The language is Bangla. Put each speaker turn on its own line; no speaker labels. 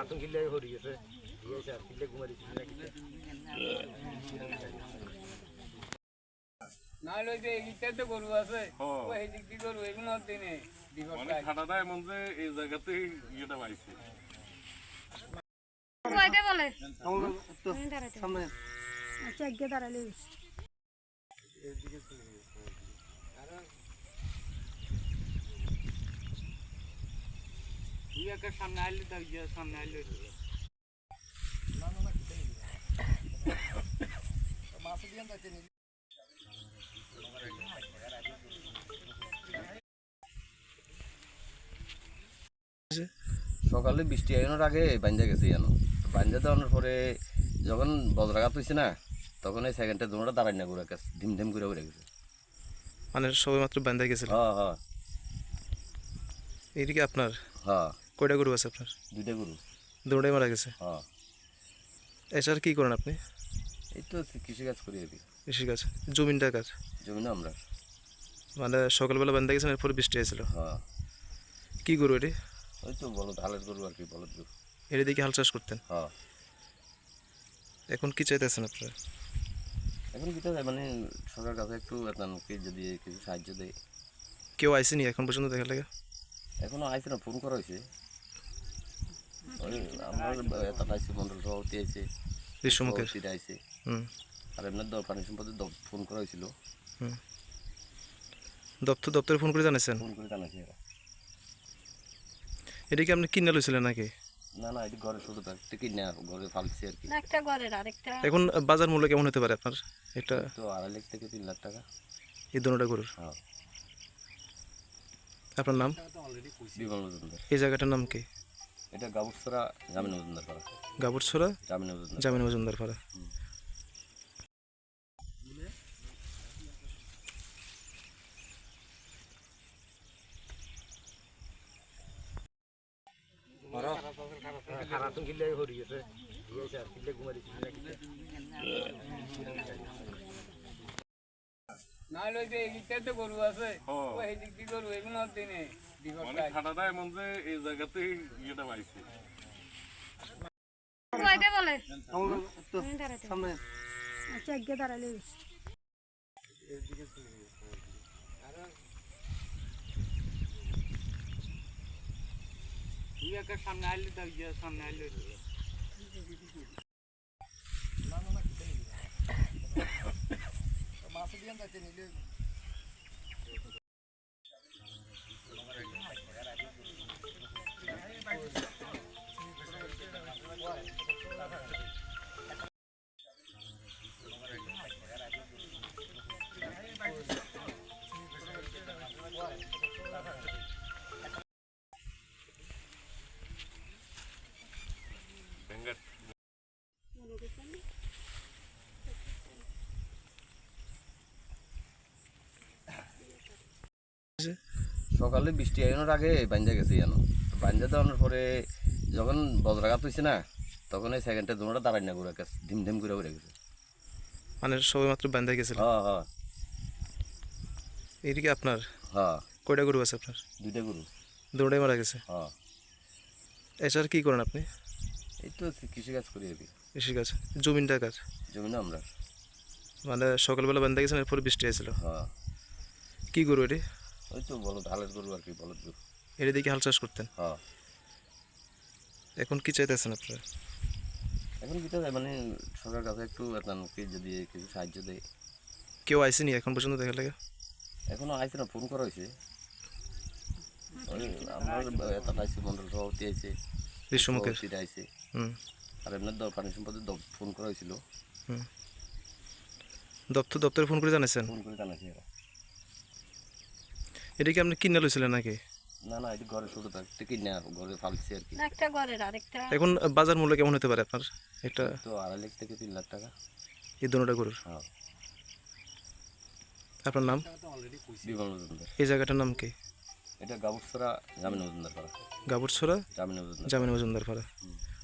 খারাতুন কিল্লে হরি গেছে দিয়েছে আর কিল্লে ঘুমারি কিল্লে কিল্লে
না লই যে এইটা তো গরু আছে ও এই দিক দি গরু এগুলো দিনে বিপদ
মানে খাটাটা এমন যে এই জায়গাতেই ইয়েটা পাইছে
কয়টা বলে সামনে আচ্ছা আগে দাঁড়ালে
তুই একটা সামনে আইলে তার গিয়ে সামনে আইলে
সকালে বৃষ্টি আইনোর আগে বাঞ্জা গেছে জানো বাঞ্জা দেওয়ানোর পরে যখন বজ্রাঘাত হয়েছে না তখন এই সেকেন্ডে দোনোটা দাঁড়াই না ঘুরে গেছে ধিম ধিম করে উড়ে গেছে
মানে সবে মাত্র বান্ধা গেছিল।
হ্যাঁ হ্যাঁ
এইদিকে আপনার
হ্যাঁ
কয়টা গরু আছে আপনার?
দুইটা গরু।
দুটোই মারা গেছে।
হ্যাঁ
এছাড়া কি করেন আপনি?
এই তো কৃষিকাজ করি আর কি।
কৃষিকাজ। জমিনটা কাজ
জমি না আমরা।
মানে সকালবেলা বান্ধা গেছেন এরপরে বৃষ্টি হয়েছিল।
হ্যাঁ
কি গরু এটি?
ওই তো বলদ হালের গরু আর কি বলদ গরু।
এর দিকে হাল চাষ করতেন?
হ্যাঁ।
এখন কি চাইতেছেন আপনারা?
এখন কি চাই মানে সরকার কাছে একটু কি যদি কিছু সাহায্য দেয়।
কেউ আইসেনি এখন পর্যন্ত দেখার লাগে?
এখনো আইসে না, ফোন করা হয়েছে। আমার এত আইসি মন্ডল সভাপতি আইসে,
বিশ্বমুখের
আইসে।
হুম।
আর এমনি পানি সম্পদে ফোন করা হয়েছিল।
হুম। দপ্তরে ফোন করে জানাইছেন?
ফোন করে জানাইছে এরা।
এটা কি আপনি কিনে লইছিলেন নাকি?
না না, এটি ঘরে ছোট থাকতে কিনে ঘরে ফালছি আর কি।
একটা ঘরের আরেকটা।
এখন বাজার মূল্য কেমন হতে পারে আপনার? এটা
তো 2.5 লাখ থেকে 3 লাখ টাকা।
এই দুটোটা গরুর?
হ্যাঁ।
আপনার নাম?
বিমল মজুমদার।
এই জায়গাটার নাম কি?
এটা গাবুরছড়া জামিন মজুমদার পাড়া।
গাবুরছড়া
জামিন
মজুমদার পাড়া।
খারাতুন কিল্লে হরি গেছে দিয়েছে আর কিল্লে ঘুমারি কিল্লে কিল্লে
না লই যে এইটা তো গরু আছে ও এই দিক দি গরু এগুলো দিনে বিপদ
মানে খাটাটা এমন যে এই জায়গাতেই ইয়েটা পাইছে
কয়টা বলে সামনে আচ্ছা আগে দাঁড়ালে
তুই একটা সামনে আইলে তার গিয়ে সামনে আইলে
সকালে বৃষ্টি আইনোর আগে বাঞ্জা গেছে জানো বাঞ্জা দেওয়ানোর পরে যখন বজ্রাঘাত হয়েছে না তখন এই সেকেন্ডে দোনোটা দাঁড়াই না ঘুরে গেছে ধিম ধিম করে উড়ে গেছে।
মানে সবে মাত্র বান্ধা গেছিল।
হ্যাঁ হ্যাঁ।
এইদিকে আপনার?
হ্যাঁ।
কয়টা গরু আছে আপনার?
দুইটা গরু।
দুটোই মারা গেছে।
হ্যাঁ।
এছাড়া কি করেন আপনি?
এই তো কৃষিকাজ করি আর কি।
কৃষিকাজ। জমিনটা কাজ?
জমি না আমরা।
মানে সকালবেলা বান্ধা গেছেন এরপরে বৃষ্টি হয়েছিল।
হ্যাঁ।
কি গরু এটি?
ওই তো বলদ হালের গরু আর কি বলদ গরু।
এর দিকে হাল চাষ করতেন?
হ্যাঁ।
এখন কি চাইতেছেন আপনারা?
এখন কি চাই মানে সরকার কাছে একটু কি যদি কিছু সাহায্য দেয়।
কেউ আইসেনি এখন পর্যন্ত দেখার লাগে?
এখনো আইসে না, ফোন করা হয়েছে। আমার এত আইসি মন্ডল সভাপতি আইসে,
বিশ্বমুখের
আইসে।
হুম।
আর এমনি পানি সম্পদে ফোন করা হয়েছিল।
হুম। দপ্তরে ফোন করে জানাইছেন?
ফোন করে জানাইছে এরা।
এটা কি আপনি কিনে লইছিলেন নাকি?
না না, এটি ঘরে ছোট থাকতে কিনে ঘরে ফালছি আর কি।
একটা ঘরের আরেকটা।
এখন বাজার মূল্য কেমন হতে পারে আপনার? এটা
তো 2.5 লাখ থেকে 3 লাখ টাকা।
এই দুটোটা গরুর?
হ্যাঁ।
আপনার নাম?
বিমল মজুমদার।
এই জায়গাটার নাম কি?
এটা গাবুরছড়া জামিন মজুমদার পাড়া।
গাবুরছড়া
জামিন মজুমদার
মজুমদার পাড়া।